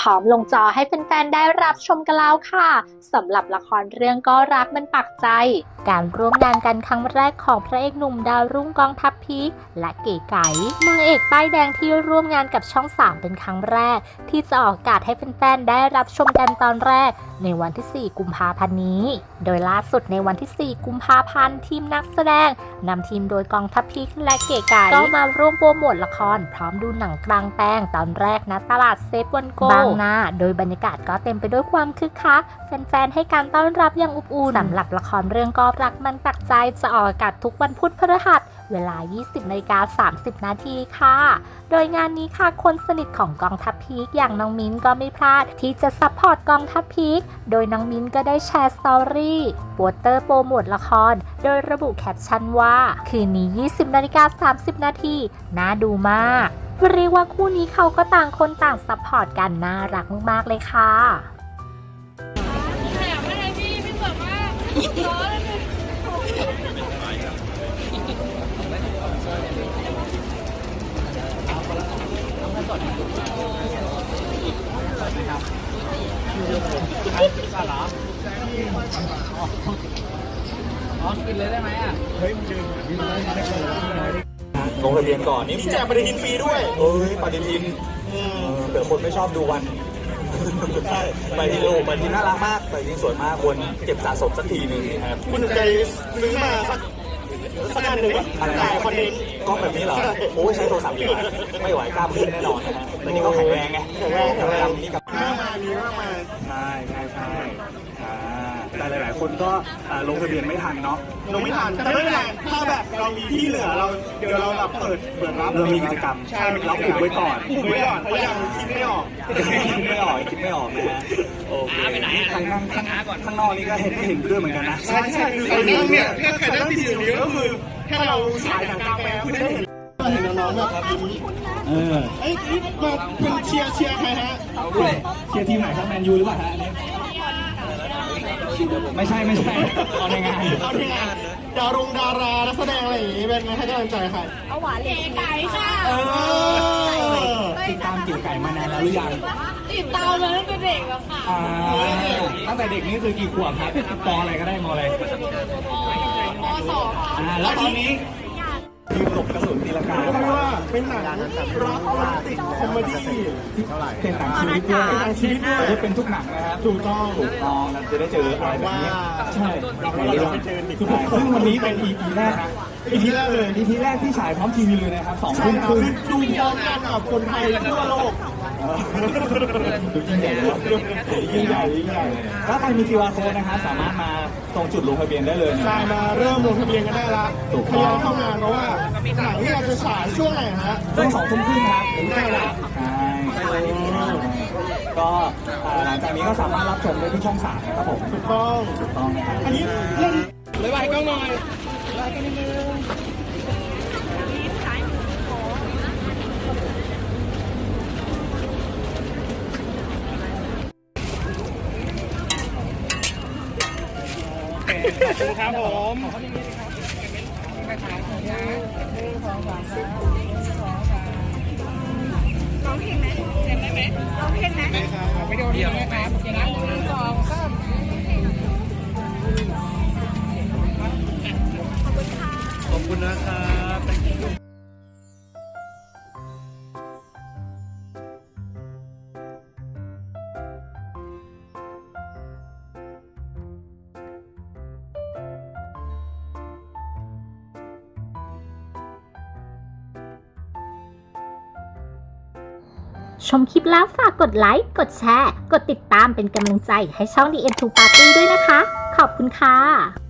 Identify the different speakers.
Speaker 1: ร้อมลงจอให้แฟนๆได้รับชมกันแล้วค่ะสำหรับละครเรื่องก็รักมันปักใจการร่วมงานกันครั้งแรกของพระเอกหนุ่มดาวรุ่งกองทัพพีคและเก๋ไก๋นางเอกป้ายแดงที่ร่วมงานกับช่อง3เป็นครั้งแรกที่จะออกอากาศให้แฟนๆได้รับชมกันตอนแรกในวันที่4กุมภาพันธ์นี้โดยล่าสุดในวันที่4กุมภาพันธ์ทีมนักแสดงนำทีมโดยกองทัพพีคและเก๋ไก๋ก็มาร่วมโปรโมทละครพร้อมดูหนังกลางแปลงตอนแรกณตลาดเซฟวันโกบางนาโดยบรรยากาศก็เต็มไปด้วยความคึกคักแฟนๆให้การต้อนรับอย่างอบอุ่นสำหรับละครเรื่องก็รักมันปักใจจะออกอากาศทุกวันพุธพฤหัสเวลา 20:30 นาทีค่ะโดยงานนี้ค่ะคนสนิทของกองทัพพีคอย่างน้องมิ้นก็ไม่พลาดที่จะซัพพอร์ตกองทัพพีคโดยน้องมิ้นก็ได้แชร์สตอรี่โปสเตอร์โปรโมทละครโดยระบุแคปชั่นว่าคืนนี้ 20:30 นาทีน่าดูมากเรียกว่าคู่นี้เขาก็ต่างคนต่างซัพพอร์ตกันน่ารักมากๆเลยค่ะ
Speaker 2: กินเลยได้ไหมอ่ะเฮ้ย
Speaker 3: ลงทะเบียนก่อนนี่แจกปฏิทินฟรีด้วยปฏิทินเผื่อคนไม่ชอบดูวันใช่ปฏิทินปฏิทินน่ารักมากปฏิทินสวยมากควรเก็บสะสมสักทีนึงครับ
Speaker 4: คุณใจซื้อมาสักอันหนึ่งอะไรคอนเทนต์
Speaker 3: กล้องแบบนี้เหรอโอ้ยใช้โทรศัพท์ดีกว่าไม่ไหวกล้ามขึ้นแน่นอนนะฮะแต่นี่ก็แข็งแรงไงแข็งแรงนี่กับใช่แต่หลายๆคนก็ลงทะเบียนไม่ทันเนาะ
Speaker 4: ลงไม่ทันแต่ไม่เป็นไรถ้าแบบเรามีที่เหลือเราเดี๋ยวเราแบบเปิดรับ
Speaker 3: เรามีกิจกรรมเราอุบไว้ก่อน
Speaker 4: เพราะยังคิดไม่ออก
Speaker 3: คิดไม่ออกนะฮะโอเคไปไหนข้างนอกนี่ก็เห็นด้วยเหมือนกันนะ
Speaker 4: ใช่คือคนนั่งเนี่ยแค่ใครนั่งที่อยู่นี้ก็คือแค่เราฉายหนังกลางแปลงคือได้เห็นน้องๆแบบมาเป็นเชียร์ใครฮะ
Speaker 3: เชียร์ทีมไหนครับแมนยูหรือเปล่าฮะไม่ใช่เอาในงาน
Speaker 4: ดารานักแสดงอะไรอย่างนี้เป็นไงให้กำลังใจใคร
Speaker 5: เอาหวานเก๋ไก่ค่ะ
Speaker 3: ติดตามเก๋ไก่มานานแล้วหรือยัง
Speaker 5: ติดตามมาตั้งแต่เด็กแล้วค่ะ
Speaker 3: ตั้งแต่เด็กนี่คือกี่ขวบครับปอะไรก็ได้มอะไร
Speaker 5: ม.2
Speaker 3: แล้วตอนนี้ทีมหลบกระสุนตีลังกา
Speaker 4: เรียกว่าเป็นหนังรักโรแมนติกคอมเมดี้
Speaker 3: เป็นหนังชีวิตด้วยจะเป็นทุกหนังนะครับ
Speaker 4: ถูกต้อง
Speaker 3: เราจะได้เจออะไรแบบนี้ใช่ซึ่งวันนี้เป็น EP แรกนะ EP แรกที่ฉายพร้อมทีวีเลยนะครับ2 ทุ่มครึ่ง
Speaker 4: ดูพร้อมกันกับคนไทยทั่วโลก
Speaker 3: ยิ่งใหญ่ถ้าใครมี QR code นะครับสามารถมาตรงจุดลงทะเบียนได้เลย
Speaker 4: ใช่มาเริ่มลงทะเบียนกันได้ละทยอยเข้างานเพราะว่าหนังที่เราจะฉายช่วงไหนฮะ
Speaker 3: ช่วง2 ทุ่มครึ่งครับ
Speaker 4: ได้ละ
Speaker 3: ก็หลังจากนี้ก็สามารถรับชมได้ที่ช่อง3นะครับผม
Speaker 4: ถูกต้อง
Speaker 3: นะครับ
Speaker 4: อันนี้เล่นเลยไปกล้องหน่อยไปกันนิดนึงขอบคุณครับผม
Speaker 5: ร้องเพลงไหมเจ็บไหมร้องเพลงไหม
Speaker 4: ไปดูดีไหมครับ
Speaker 5: 1 2 3
Speaker 4: ขอบคุณนะครับ
Speaker 1: ชมคลิปแล้วฝากกดไลค์ กดแชร์ กดติดตามเป็นกำลังใจให้ช่อง The End to Party ด้วยนะคะ ขอบคุณค่ะ